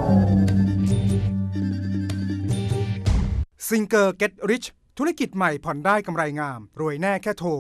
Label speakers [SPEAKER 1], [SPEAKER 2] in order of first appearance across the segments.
[SPEAKER 1] ซิงเกอร์ Get Rich ธุรกิจใหม่ผ่อนได้กำไรงามรวยแน่แค่โทร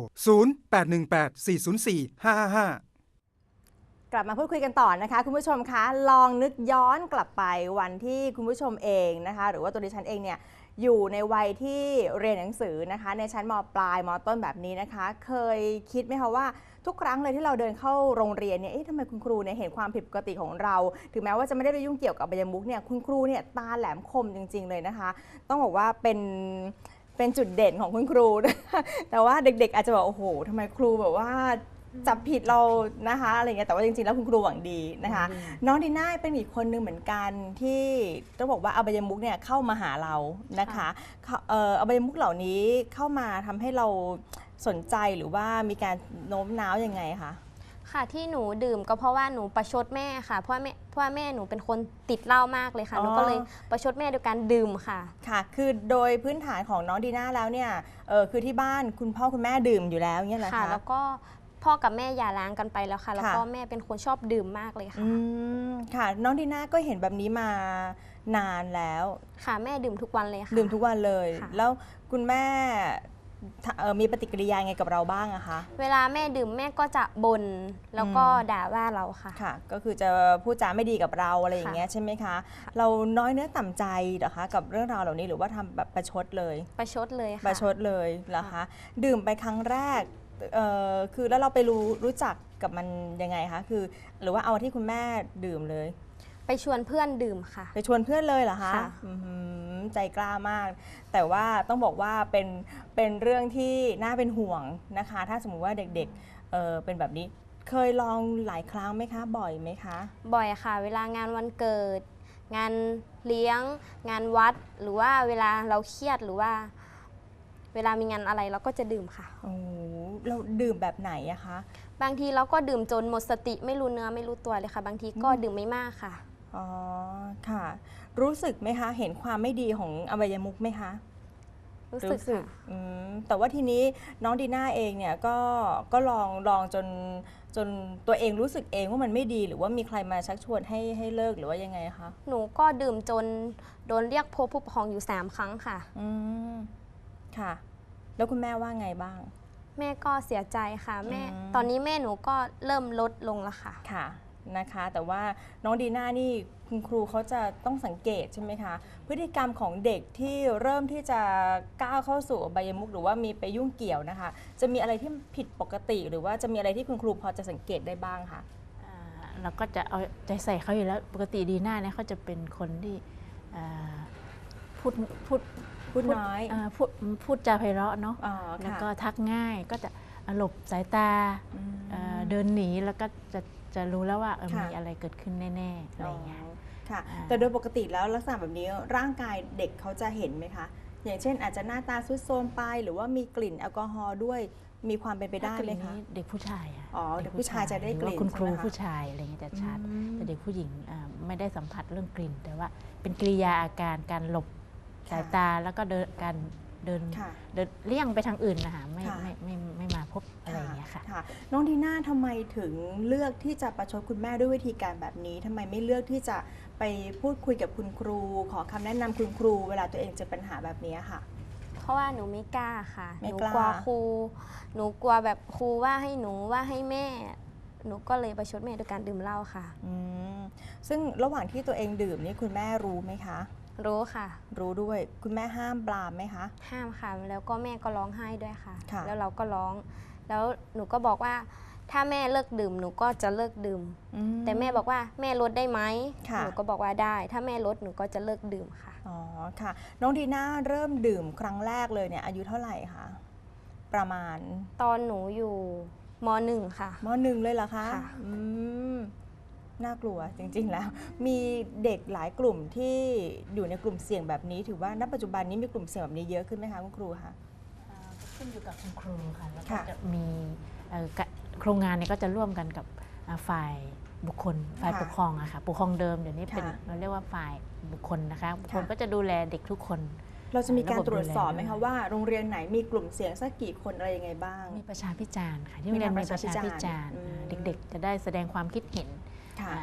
[SPEAKER 1] 0818404555
[SPEAKER 2] กลับมาพูดคุยกันต่อนะคะคุณผู้ชมคะลองนึกย้อนกลับไปวันที่คุณผู้ชมเองนะคะหรือว่าตัวดิฉันเองเนี่ยอยู่ในวัยที่เรียนหนังสือนะคะในชั้นม.ปลายม.ต้นแบบนี้นะคะเคยคิดไหมคะว่าทุกครั้งเลยที่เราเดินเข้าโรงเรียนเนี่ยทำไมคุณครูเนี่ยเห็นความผิดปกติของเราถึงแม้ว่าจะไม่ได้ไปยุ่งเกี่ยวกับอบายมุขเนี่ยคุณครูเนี่ยตาแหลมคมจริงๆเลยนะคะต้องบอกว่าเป็นจุดเด่นของคุณครู แต่ว่าเด็กๆอาจจะบอกโอ้โหทำไมครูแบบว่าจับผิดเรานะคะอะไรเงี้ยแต่ว่าจริงๆแล้วคุณครูหวังดีนะคะน้องดีน่าเป็นอีกคนนึงเหมือนกันที่ต้องบอกว่าอบายมุขเนี่ยเข้ามาหาเรานะคะอบายมุขเหล่านี้เข้ามาทำให้เราสนใจหรือว่ามีการโน้มน้าวยังไงคะ
[SPEAKER 3] ค่ะที่หนูดื่มก็เพราะว่าหนูประชดแม่ค่ะเพราะว่าแม่หนูเป็นคนติดเหล้ามากเลยค่ะหนูก็เลยประชดแม่ด้วยการดื่มค่ะ
[SPEAKER 2] ค่ะคือโดยพื้นฐานของน้องดีน่าแล้วเนี่ยคือที่บ้านคุณพ่อคุณแม่ดื่มอยู่แล้วเนี่ยแหละค่ะ
[SPEAKER 3] แล้วก็พ่อกับแม่หย่าร้างกันไปแล้วค่ะแล้วก็แม่เป็นคนชอบดื่มมากเลยค่ะ
[SPEAKER 2] ค่ะน้องดีน่าก็เห็นแบบนี้มานานแล้ว
[SPEAKER 3] ค่ะแม่ดื่มทุกวันเลยค่ะ
[SPEAKER 2] ดื่มทุกวันเลยแล้วคุณแม่มีปฏิกิริยาไงกับเราบ้างอะคะ
[SPEAKER 3] เวลาแม่ดื่มแม่ก็จะบ่นแล้วก็ด่าว่าเราค่ะ
[SPEAKER 2] ค่ะก็คือจะพูดจาไม่ดีกับเราอะไรอย่างเงี้ยใช่ไหมคะเราน้อยเนื้อต่ำใจเหรอคะกับเรื่องราวเหล่านี้หรือว่าทำแบบประชดเลย
[SPEAKER 3] ประชดเลยค่ะ
[SPEAKER 2] ประชดเลยเหรอคะดื่มไปครั้งแรกคือแล้วเราไปรู้จักกับมันยังไงคะคือหรือว่าเอาที่คุณแม่ดื่มเลย
[SPEAKER 3] ไปชวนเพื่อนดื่มค่ะ
[SPEAKER 2] ไปชวนเพื่อนเลยเหรอคะใจกล้ามากแต่ว่าต้องบอกว่าเป็นเรื่องที่น่าเป็นห่วงนะคะถ้าสมมุติว่าเด็กๆเป็นแบบนี้เคยลองหลายครั้งไหมคะบ่อยไหมคะ
[SPEAKER 3] บ่อยค่ะเวลางานวันเกิดงานเลี้ยงงานวัดหรือว่าเวลาเราเครียดหรือว่าเวลามีงานอะไรเราก็จะดื่มค่ะ
[SPEAKER 2] โอ้เราดื่มแบบไหนอะคะ
[SPEAKER 3] บางทีเราก็ดื่มจนหมดสติไม่รู้เนื้อไม่รู้ตัวเลยค่ะบางทีก็ดื่มไม่มากค่ะ
[SPEAKER 2] อ๋อค่ะรู้สึกไหมคะเห็นความไม่ดีของอบายมุขไหมคะ
[SPEAKER 3] รู้สึกค่ะ
[SPEAKER 2] แต่ว่าทีนี้น้องดีน่าเองเนี่ยก็ลองจนตัวเองรู้สึกเองว่ามันไม่ดีหรือว่ามีใครมาชักชวนให้เลิกหรือว่ายังไงคะ
[SPEAKER 3] หนูก็ดื่มจนโดนเรียกพบผู้ปกครองอยู่3 ครั้งค่ะ
[SPEAKER 2] ค่ะแล้วคุณแม่ว่าไงบ้าง
[SPEAKER 3] แม่ก็เสียใจค่ะแม่ตอนนี้แม่หนูก็เริ่มลดลงแล้วค่ะ
[SPEAKER 2] ค่ะนะคะแต่ว่าน้องดีน่านี่คุณครูเขาจะต้องสังเกตใช่ไหมคะพฤติกรรมของเด็กที่เริ่มที่จะก้าวเข้าสู่อบายมุขหรือว่ามีไปยุ่งเกี่ยวนะคะจะมีอะไรที่ผิดปกติหรือว่าจะมีอะไรที่คุณครูพอจะสังเกตได้บ้างคะ
[SPEAKER 4] เราก็จะเอาใจใส่เขาอยู่แล้วปกติดีน่าเนี่ยเขาจะเป็นคนที่พูด
[SPEAKER 2] น้อย
[SPEAKER 4] พูดจาไพเราะเนาะแล้วก็ทักง่ายก็จะหลบสายตาเดินหนีแล้วก็จะรู้แล้วว่ามีอะไรเกิดขึ้นแน่ๆอะไรอย่างเงี้ย
[SPEAKER 2] ค่ะแต่โดยปกติแล้วลักษณะแบบนี้ร่างกายเด็กเขาจะเห็นไหมคะอย่างเช่นอาจจะหน้าตาซุดโทรมไปหรือว่ามีกลิ่นแอลกอฮอล์ด้วยมีความเป็นไปได้ไหมคะ
[SPEAKER 4] เด็กผู้ชาย
[SPEAKER 2] เด็กผู้ชายจะได้กลิ่น
[SPEAKER 4] คุณครูผู้ชายอะไรเงี้ยจะชัดแต่เด็กผู้หญิงไม่ได้สัมผัสเรื่องกลิ่นแต่ว่าเป็นกิริยาอาการการหลบสายตาแล้วก็การเดินเลี่ยงไปทางอื่นนะคะไม่มาพบอะไรอย่างเงี้ยค่ะ
[SPEAKER 2] น้องดีน่าทำไมถึงเลือกที่จะประชดคุณแม่ด้วยวิธีการแบบนี้ทำไมไม่เลือกที่จะไปพูดคุยกับคุณครูขอคำแนะนำคุณครูเวลาตัวเองเจอปัญหาแบบนี้ค่ะ
[SPEAKER 3] เพราะว่าหนูไม่กล้าค่ะหนูกลัวครูหนูกลัวแบบครูว่าให้หนูว่าให้แม่หนูก็เลยประชดแม่ด้วยการดื่มเหล้าค่ะ
[SPEAKER 2] ซึ่งระหว่างที่ตัวเองดื่มนี่คุณแม่รู้ไหมคะ
[SPEAKER 3] รู้ค่ะ
[SPEAKER 2] รู้ด้วยคุณแม่ห้ามปรามไหมคะ
[SPEAKER 3] ห้ามค่ะแล้วก็แม่ก็ร้องไห้ด้วยค่ะแล้วเราก็ร้องแล้วหนูก็บอกว่าถ้าแม่เลิกดื่มหนูก็จะเลิกดื่มแต่แม่บอกว่าแม่ลดได้ไหมหนูก็บอกว่าได้ถ้าแม่ลดหนูก็จะเลิกดื่มค่ะ
[SPEAKER 2] อ๋อค่ะน้องดีน่าเริ่มดื่มครั้งแรกเลยเนี่ยอายุเท่าไหร่คะประมาณ
[SPEAKER 3] ตอนหนูอยู่ม.1 ค่ะ
[SPEAKER 2] ม.1 เลยเหรอคะน่ากลัวจริงๆแล้วมีเด็กหลายกลุ่มที่อยู่ในกลุ่มเสี่ยงแบบนี้ถือว่าณปัจจุบันนี้มีกลุ่มเสี่ยงแบบนี้เยอะขึ้นไหมคะคุณครูคะ
[SPEAKER 4] ขึ้นอยู่กับคุณครูค่ะแล้วก็จะมีโครงงานนี้ก็จะร่วมกันกับฝ่ายบุคคลฝ่ายปกครองอะค่ะปกครองเดิมเดี๋ยวนี้เป็นเราเรียกว่าฝ่ายบุคคลนะคะบุคคลก็จะดูแลเด็กทุกคน
[SPEAKER 2] เราจะมีการตรวจสอบไหมคะว่าโรงเรียนไหนมีกลุ่มเสี่ยงสักกี่คนอะไรยังไงบ้าง
[SPEAKER 4] มีประชาพิจารณ์ค่ะที่โรงเรียนมีประชาพิจารณ์เด็กๆจะได้แสดงความคิดเห็น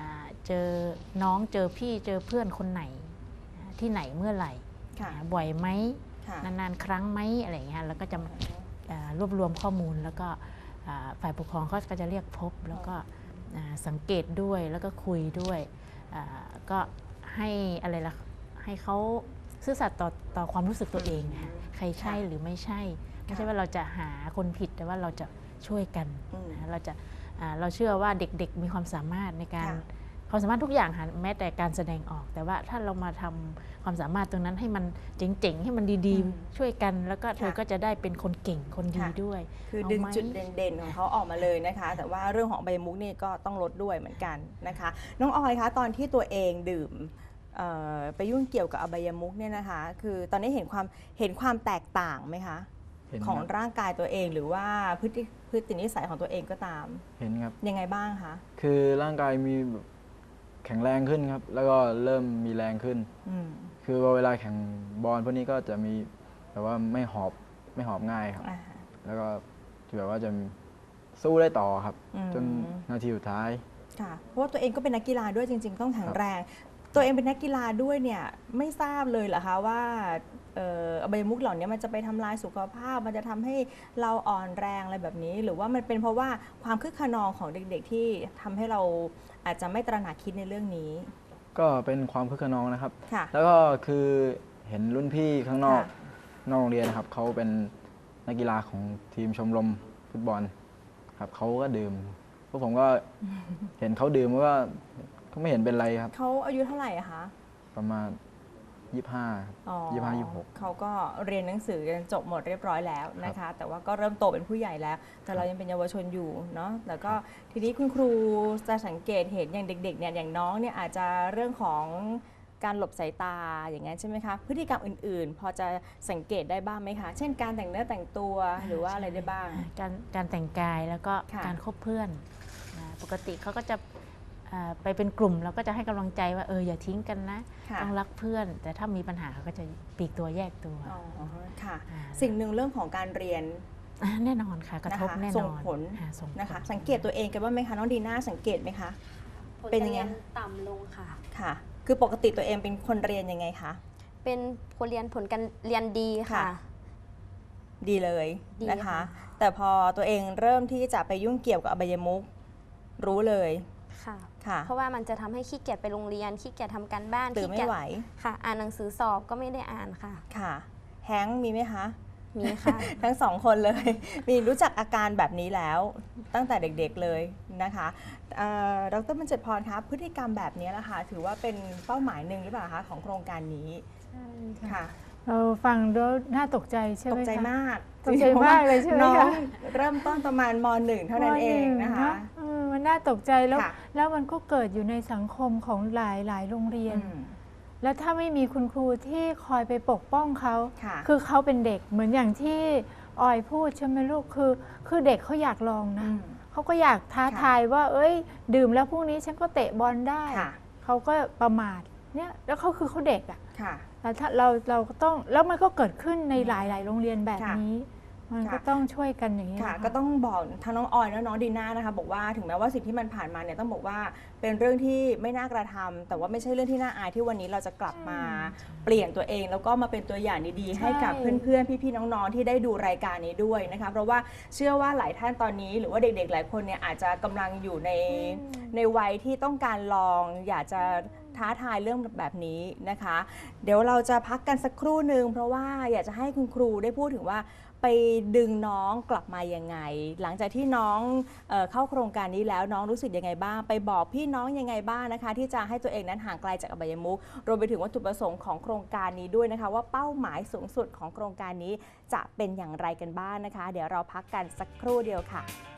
[SPEAKER 4] เจอน้องเจอพี่เจอเพื่อนคนไหนที่ไหนเมื่อไหร่บ่อยไหมนานๆครั้งไหมอะไรอย่างเงี้ยแล้วก็จะรวบรวมข้อมูลแล้วก็ฝ่ายปกครองก็จะเรียกพบแล้วก็สังเกตด้วยแล้วก็คุยด้วยก็ให้อะไรล่ะให้เขาซื่อสัตย์ต่อความรู้สึกตัวเองนะใครใช่หรือไม่ใช่ว่าเราจะหาคนผิดแต่ว่าเราจะช่วยกันเราเชื่อว่าเด็กๆมีความสามารถในการความสามารถทุกอย่างแม้แต่การแสดงออกแต่ว่าถ้าเรามาทำความสามารถตรงนั้นให้มันเจ๋งๆให้มันดีๆช่วยกันแล้วก็เธอก็จะได้เป็นคนเก่งคนดีด้วย
[SPEAKER 2] คือดึงจุดเด่นๆของเขาออกมาเลยนะคะแต่ว่าเรื่องของอบายมุขนี่ก็ต้องลดด้วยเหมือนกันนะคะน้องออยคะตอนที่ตัวเองดื่มไปยุ่งเกี่ยวกับอบายมุขเนี่ยนะคะคือตอนนี้เห็นความแตกต่างไหมคะของร่างกายตัวเองหรือว่าพฤตินิสัยของตัวเองก็ตาม
[SPEAKER 5] เห็นครับ
[SPEAKER 2] ยังไงบ้างคะ
[SPEAKER 5] คือร่างกายมีแข็งแรงขึ้นครับแล้วก็เริ่มมีแรงขึ้นคือเวลาแข่งบอลพวกนี้ก็จะมีแบบว่าไม่หอบง่ายครับแล้วก็แบบว่าจะสู้ได้ต่อครับจนนาทีสุดท้าย
[SPEAKER 2] ค่ะเพราะว่าตัวเองก็เป็นนักกีฬาด้วยจริงๆต้องแข็งแรงตัวเองเป็นนักกีฬาด้วยเนี่ยไม่ทราบเลยเหรอคะว่าอบายมุขเหล่านี้มันจะไปทำลายสุขภาพมันจะทำให้เราอ่อนแรงอะไรแบบนี้หรือว่ามันเป็นเพราะว่าความคึกขนองของเด็กๆที่ทำให้เราอาจจะไม่ตระหนักคิดในเรื่องนี้
[SPEAKER 5] ก็เป็นความคึกขนองนะครับแล้วก็คือเห็นรุ่นพี่ข้างนอกโรงเรียนนะครับเขาเป็นนักกีฬาของทีมชมรมฟุตบอลครับเขาก็ดื่มพวกผมก็เห็นเขาดื่มก็ไม่เห็นเป็นไรครับ
[SPEAKER 2] เขาอายุเท่าไหร่อะคะ
[SPEAKER 5] ประมาณ25-26
[SPEAKER 2] เขาก็เรียนหนังสือกันจบหมดเรียบร้อยแล้วนะคะแต่ว่าก็เริ่มโตเป็นผู้ใหญ่แล้วแต่เรายังเป็นเยาวชนอยู่เนาะแล้วก็ทีนี้คุณครูจะสังเกตเห็นอย่างเด็กๆเนี่ยอย่างน้องเนี่ยอาจจะเรื่องของการหลบสายตาอย่างนั้นใช่ไหมคะพฤติกรรมอื่นๆพอจะสังเกตได้บ้างไหมคะเช่นการแต่งเนื้อแต่งตัวหรือว่าอะไรได้บ้าง
[SPEAKER 4] การแต่งกายแล้วก็การคบเพื่อนปกติเขาก็จะไปเป็นกลุ่มเราก็จะให้กำลังใจว่าอย่าทิ้งกันนะต้องรักเพื่อนแต่ถ้ามีปัญหาเขาก็จะปลีกตัวแยกตัว
[SPEAKER 2] ค่ะสิ่งหนึ่งเรื่องของการเรียน
[SPEAKER 4] แน่นอนค่ะกระทบแน่นอน
[SPEAKER 2] ส่งผลนะคะสังเกตตัวเองกันบ้างไหมคะน้องดีน่าสังเกตไหมคะ
[SPEAKER 3] เป็นยังไงต่ำลงค่ะ
[SPEAKER 2] ค่ะคือปกติตัวเองเป็นคนเรียนยังไงคะ
[SPEAKER 3] เป็นคนเรียนผลการเรียนดีค่ะ
[SPEAKER 2] ดีเลยนะคะแต่พอตัวเองเริ่มที่จะไปยุ่งเกี่ยวกับอบายมุขรู้เลย
[SPEAKER 3] ค่ะเพราะว่ามันจะทำให้ขี้เกียจไปโรงเรียนขี้เกียจทำการบ้าน
[SPEAKER 2] ตื่นไม่ไหว
[SPEAKER 3] ค่ะอ่านหนังสือสอบก็ไม่ได้อ่านค่ะ
[SPEAKER 2] ค่ะแฮงค์มีไหมคะ
[SPEAKER 3] มีค่ะ
[SPEAKER 2] ทั้งสองคนเลยมีรู้จักอาการแบบนี้แล้วตั้งแต่เด็กๆเลยนะคะดร.บรรจพรคะพฤติกรรมแบบนี้นะคะถือว่าเป็นเป้าหมายหนึ่งหรือเปล่าคะของโครงการนี้
[SPEAKER 6] ค่ะเราฟังแล้วน่าตกใจใช่ไหมคะ
[SPEAKER 2] ตกใจมาก
[SPEAKER 6] ตกใจมากเลยใช่ไหมคะ
[SPEAKER 2] เริ่มต้นประมาณม.1 เท่านั้นเองนะคะ
[SPEAKER 6] มันน่าตกใจแล้วมันก็เกิดอยู่ในสังคมของหลายโรงเรียนแล้วถ้าไม่มีคุณครูที่คอยไปปกป้องเขาคือเขาเป็นเด็กเหมือนอย่างที่ออยพูดใช่ไหมลูกคือเด็กเขาอยากลองนะเขาก็อยากท้าทายว่าดื่มแล้วพรุ่งนี้ฉันก็เตะบอลได้เขาก็ประมาทเนี่ยแล้วเขาเด็กอ่ะแต่ถ้าเราก็ต้องแล้วมันก็เกิดขึ้นในหลายโรงเรียนแบบนี้มันก็ต้องช่วยกันอย่างนี้
[SPEAKER 2] ค่ะก็ต้องบอกทั้งน้องออยและน้องดีน่านะคะบอกว่าถึงแม้ว่าสิ่งที่มันผ่านมาเนี่ยต้องบอกว่าเป็นเรื่องที่ไม่น่ากระทำแต่ว่าไม่ใช่เรื่องที่น่าอายที่วันนี้เราจะกลับมาเปลี่ยนตัวเองแล้วก็มาเป็นตัวอย่างดีๆให้กับเพื่อนๆพี่ๆน้องๆที่ได้ดูรายการนี้ด้วยนะคะเพราะว่าเชื่อว่าหลายท่านตอนนี้หรือว่าเด็กๆหลายคนเนี่ยอาจจะกำลังอยู่ในวัยที่ต้องการลองอยากจะท้าทายเรื่องแบบนี้นะคะเดี๋ยวเราจะพักกันสักครู่หนึ่งเพราะว่าอยากจะให้คุณครูได้พูดถึงว่าไปดึงน้องกลับมายังไงหลังจากที่น้องเข้าโครงการนี้แล้วน้องรู้สึกยังไงบ้างไปบอกพี่น้องยังไงบ้างนะคะที่จะให้ตัวเองนั้นห่างไกลจากอบายมุขรวมไปถึงวัตถุประสงค์ของโครงการนี้ด้วยนะคะว่าเป้าหมายสูงสุดของโครงการนี้จะเป็นอย่างไรกันบ้างนะคะเดี๋ยวเราพักกันสักครู่เดียวค่ะ